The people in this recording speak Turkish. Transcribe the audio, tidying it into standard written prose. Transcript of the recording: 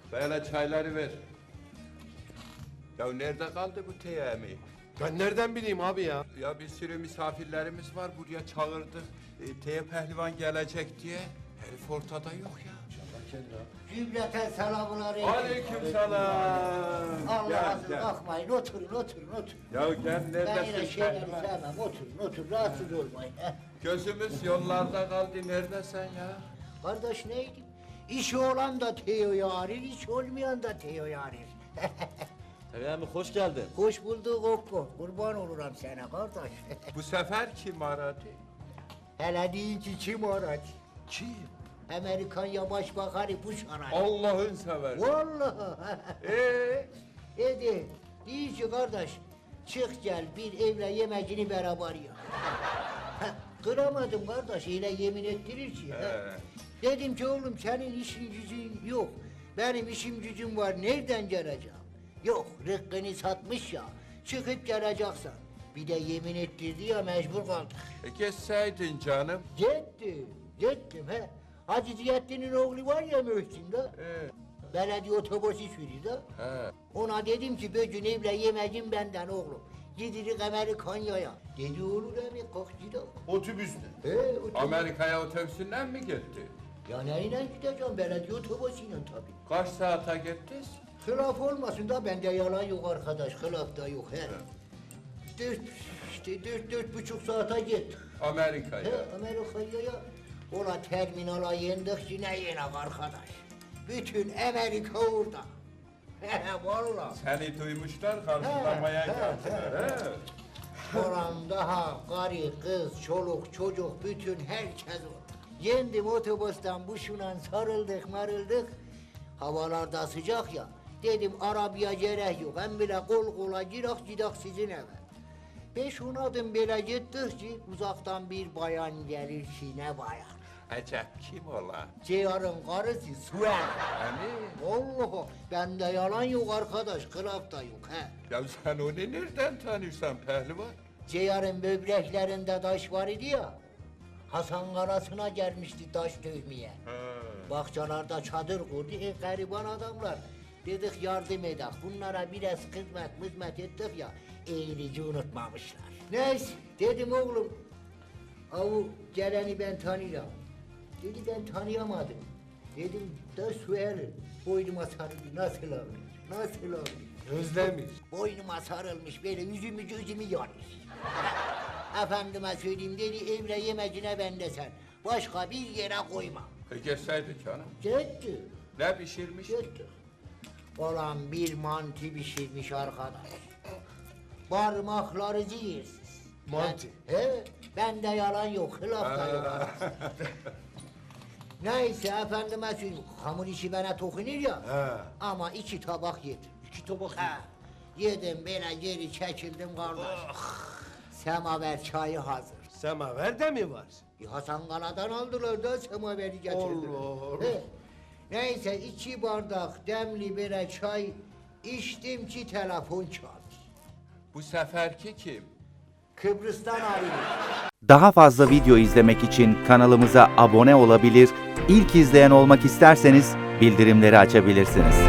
Böyle çayları ver. Ya nerede kaldı bu teyami? Ben nereden bileyim abi ya? Ya bir sürü misafirlerimiz var buraya çağırdık. Teye pehlivan gelecek diye. Herif ortada yok ya. Cümleten selamun aleyküm. Aleykümselam. Allah razı bakmayın, oturun. Ya gel Ben yine neredesin şeyleri pehlivan? sevmem, oturun, rahatsız olmayın. Gözümüz yollarda kaldı. Neredesin ya? Kardeş neydi? İşi olan da Teo'yu arir, iş olmayan da Teo'yu arir. Teyami hoş geldin. Hoş bulduk Okko, kurban olurum sana kardeş. Bu sefer kim aradı? Hele deyin ki kim aradı? Kim? Amerikan Başbakanı Bush aradı. Allah'ın seversen. Vallahi. Dedi, deyin ki kardeş, çık gel bir evle yemecini beraber ya. Kıramadım kardeş, öyle yemin ettirir ki. Dedim ki oğlum senin işin gücün yok. Benim işim gücüm var, nereden geleceğim? Yok, rıkkını satmış ya, çıkıp geleceksin. Bir de yemin ettirdi ya, mecbur kaldık. Geçseydin canım. Gittim he. Hacı Ziyaddin'in oğlu var ya Mühsin de. Belediye otobüsü sürüyor da. He. Ona dedim ki bugün evle yemecin benden oğlum. Gidirik Amerikanya'ya. Dedi olur abi kalk gidelim. Otobüsle. Otobüs. Amerika'ya otobüsünden mi gitti? Ya neyle gideceğim belediye otobüsüyle tabii. Kaç saate gittiniz? Hılaf olmasın da bende yalan yok arkadaş. Hılaf da yok he. Dört buçuk saate gittik. Amerika'ya. Amerika'ya ola terminala yendik yine yenek arkadaş. Bütün Amerika orada. Vallahi. Seni duymuşlar, karşılamaya geldiler. He. Oran daha karı, kız, çoluk, çocuk, bütün herkes orada. Yendim otobüsten buşuna sarıldık marıldık. Havalarda sıcak ya. Dedim arabaya gerek yok. Hem bile kol kola gidak sizin eve. 5-10 adım böyle gittik ki uzaktan bir bayan gelir ki ne bayan. Acep kim ola? Ceyar'ın karısı Suel. Hani? Allah bende yalan yok arkadaş, kılaf da yok he. Ya sen onu nereden tanıyorsun pehlivan? Ceyar'ın böbreklerinde taş var idi ya. Hasan Karası'na gelmişti taş dövmeye. Bahçelerde çadır kurdu, gariban adamlar. Dedik yardım edek, bunlara biraz hizmet ettik ya, eğilici unutmamışlar. Neyse, dedim oğlum, avu geleni ben tanıyorum. Dedi ben tanıyamadım. Dedim da Suel'in boynuma sarıldı, nasıl olmuş? Özlemiş. Boynuma sarılmış, böyle yüzümü gözümü yanmış. Efendime söyleyeyim dedi, evle yemecine bende sen. Başka bir yere koyma. Geçseydin canım. Gitti. Ne pişirmiş? Gitti. Olan bir mantı pişirmiş arkadaş. Parmakları zehirsiz. Mantı. Bende yalan yok, hılaf da yok. Neyse efendime söyleyeyim, hamur işi bana tokunur ya. Ama 2 tabak yedim. 2 tabak. Yedim böyle geri çekildim kardeş. Semaver çayı hazır. Semaver de mi var? Hasan Kala'dan aldılar da semaveri getirdiler. Allah. Neyse 2 bardak demli böyle çay içtim ki telefon çaldı. Bu seferki kim? Kıbrıs'tan arıyor. Daha fazla video izlemek için kanalımıza abone olabilir, ilk izleyen olmak isterseniz bildirimleri açabilirsiniz.